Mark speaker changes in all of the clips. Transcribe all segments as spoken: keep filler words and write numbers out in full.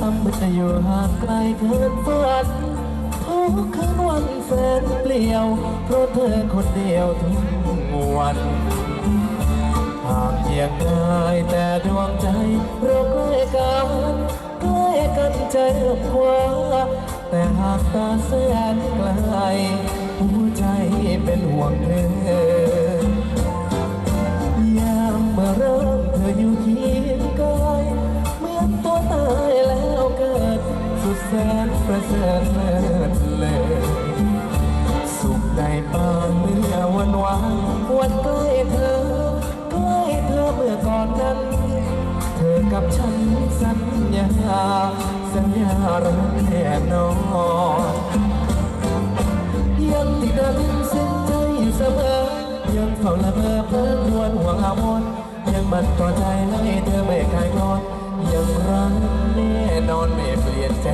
Speaker 1: ามมันจะอยู่ห่างไกลเกินฝันทุกคืนวันแสนเปลี่ยวเพราะเธอคนเดียวทุกวันห่างเพียงกายแต่ดวงใจเราใกล้กันใกล้กันใจเอื้อมคว้าแต่หากตาแสนไกลหัวใจเป็นห่วงเธอยามเมื่อเริ่มเธออยู่เคียงกายเหมือนตัวตายแล้วเกิดสุดแสนประเสริฐเลิศเลยสุขได้ปานเมื่อวันวานวันใกล้เธอใกล้เธอเมื่อก่อนนั้นเธอกับฉันสัญญาสัญญารักแน่นอนยังติดตามเส้นใจอยู่เสมอยังเฝ้าละเมอเพ้อครวญห่วงอาวรยังมันต่อใจให้เธอไม่คลายคลอนยังรักแน่นอนไม่เปลี่ยนใจ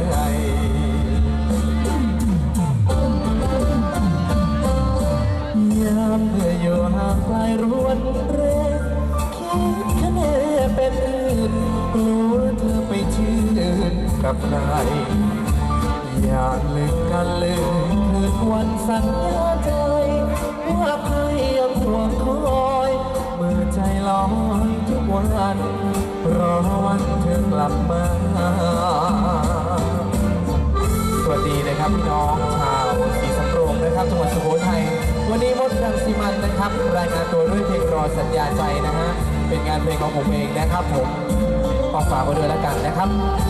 Speaker 1: ยามเมื่ออยู่ห่างไกลรวนเรคิดคะแนนเป็นอื่นกลัวเธอไปชื่นกับใครอย่าลืมกันเลยคืนวันสัญญาใจว่าใครยังห่วงคอยเมื่อใจลอยทุกวันรอวันเธอกลับมาสวัสดีนะครับพี่น้องชาวศรีสำโรงนะครับจังหวัดสุโขทัยวันนี้มดรังสีมันนะครับรายงานตัวด้วยเพลงรอสัญญาใจนะฮะเป็นงานเพลงของผมเองนะครับผมขอฝากไว้ด้วยแล้วกันนะครับ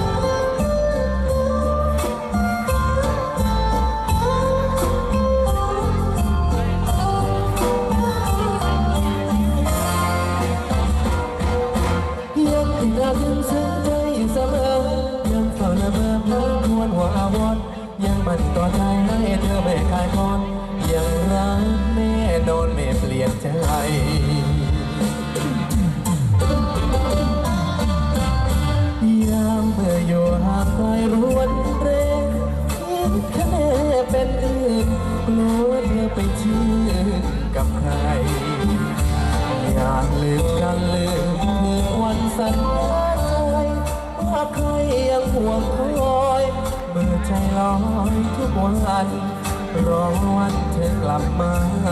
Speaker 1: ยังติดตามยังซึ้งใจอยู่เสมอยังเฝ้าละเมอเพลินควรหัวอาวรยังมันต่อใจให้เธอไม่คลายคลอนยังรักแน่นอนไม่เปลี่ยนใจยามเมื่ออยู่ห่างไกลรวนเรคิดคะแนนเป็นอื่นกลัวเธอไปชื่นกับใครอยากลืมกันลืมคืนวันสัญญาใจว่าใครยังห่วงคอยเมื่อใจลอยทุกวันรอวันเธอกลับมา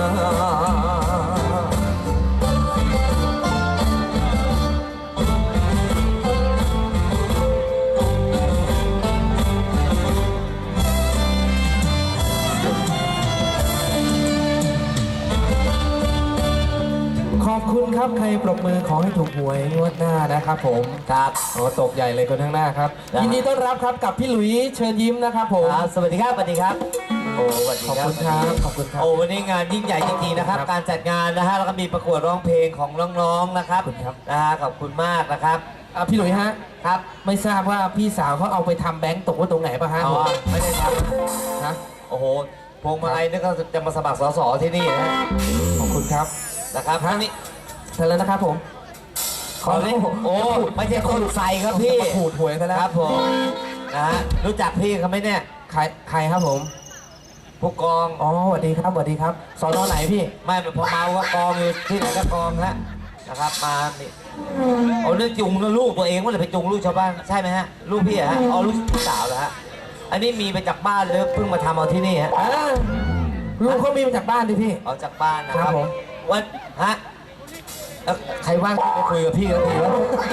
Speaker 1: ขอบคุณครับใครปรบมือขอให้ถูกหวยงวดหน้านะครับผมครับโอ้ตกใหญ่เลยคนข้างหน้าครับยินดีต้อนรับครับกับพี่หลุยเชิญยิ้มนะครับผมสวัสดีครับสวัสดีครับโอ้สวัสดีครับขอบคุณครับขอบคุณครับโอ้วันนี้งานยิ่งใหญ่จริงๆนะครับการจัดงานนะฮะแล้วก็มีประกวดร้องเพลงของน้องๆนะครับนะฮะขอบคุณมากนะครับพี่หลุยฮะครับไม่ทราบว่าพี่สาวเขาเอาไปทำแบงค์ตกไว้ตรงไหนป่ะฮะอ๋อไม่ได้ทำนะโอ้โหพวงมาลัยนี่ก็จะมาสมัครสสที่นี่นะขอบคุณครับนะครับครั้งนี้เสร็จแล้วนะครับผมขอเลยโอ้ไม่ใช่คนใส่ครับพี่ขูดหวยซะแล้วครับผมนะฮะรู้จักพี่เขาไหมเนี่ยใครใครครับผมผู้กองอ๋อสวัสดีครับสวัสดีครับสอนอไหนพี่ไม่พอเมาก็กองอยู่ที่ไหนก็กองฮะนะครับมานี่เอาเรื่องจุงลูกตัวเองว่าจะไปจุงลูกชาวบ้านใช่ไหมฮะลูกพี่ฮะเอาลูกสาวเหรอฮะอันนี้มีไปจากบ้านเลยเพิ่งมาทำเอาที่นี่ฮะลูกเขามีมาจากบ้านดิพี่เอาจากบ้านนะครับผมวันฮะใครว่างไปคุยกับพี่กันทีวะ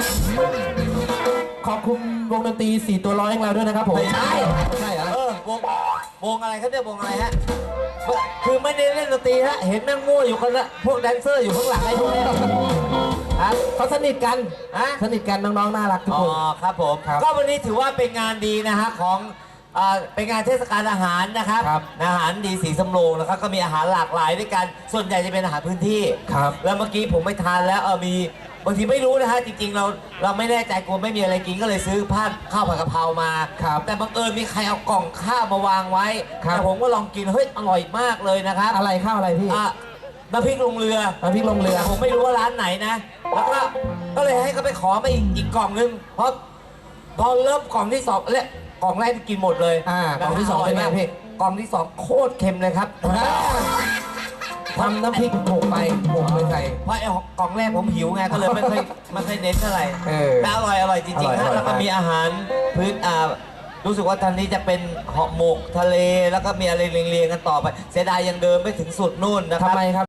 Speaker 1: ขอบคุณวงดนตรีสี่ตัวร้อยของเราด้วยนะครับผมใช่ใช่เหรอเออวงวงอะไรครับเนี่ยวงอะไรฮะคือไม่ได้เล่นดนตรีฮะเห็นนั่งมั่วอยู่คนละพวกแดนเซอร์อยู่ข้างหลังไอ้พวกนี้เขาสนิทกันฮะสนิทกันน้องๆน่ารักทุกคนอ๋อครับผมก็วันนี้ถือว่าเป็นงานดีนะฮะของเป็นงานเทศกาลอาหารนะครับอาหารดีสีสำโรงนะครับก็มีอาหารหลากหลายด้วยกันส่วนใหญ่จะเป็นอาหารพื้นที่ครับแล้วเมื่อกี้ผมไปทานแล้วเออมีบางทีไม่รู้นะฮะจริงๆเราเราไม่แน่ใจกลัวไม่มีอะไรกินก็เลยซื้อผ้าข้าวผัดกะเพรามาครับแต่บังเอิญมีใครเอากล่องข้าวมาวางไว้แต่ผมก็ลองกินเฮ้ยอร่อยมากเลยนะครับอะไรข้าวอะไรพี่น้ำพริกลงเรือน้ำพริกลงเรือผมไม่รู้ว่าร้านไหนนะแล้วก็ก็เลยให้เขาไปขอมาอีกอีกกล่องนึงเพราะพอเริ่มกล่องที่สองเนี่ยกล่องแรกกินหมดเลยอ่ากล่องที่สองเป็นไงพี่กล่องที่สองโคตรเค็มเลยครับพทำน้ำพริกหกไปหกไปใส่
Speaker 2: เพราะไอ้กล่องแรกผมหิวไงก็เลยไม่ค่อยไม่ค่อยเน้นเท่าไหร่
Speaker 1: เออ
Speaker 2: แต่อร่อยอร่อยจริงๆ
Speaker 1: อร่อย
Speaker 2: นะ
Speaker 1: อร่อย
Speaker 2: แล้วก็มีอาหารพื้นอ่ารู้สึกว่าทางนี้จะเป็นห่อหมกทะเลแล้วก็มีอะไรเรียงๆกันต่อไปเสียดายยังเดินไม่ถึงสุดนู่นนะค
Speaker 1: ทำ
Speaker 2: รับ
Speaker 1: ไมครับ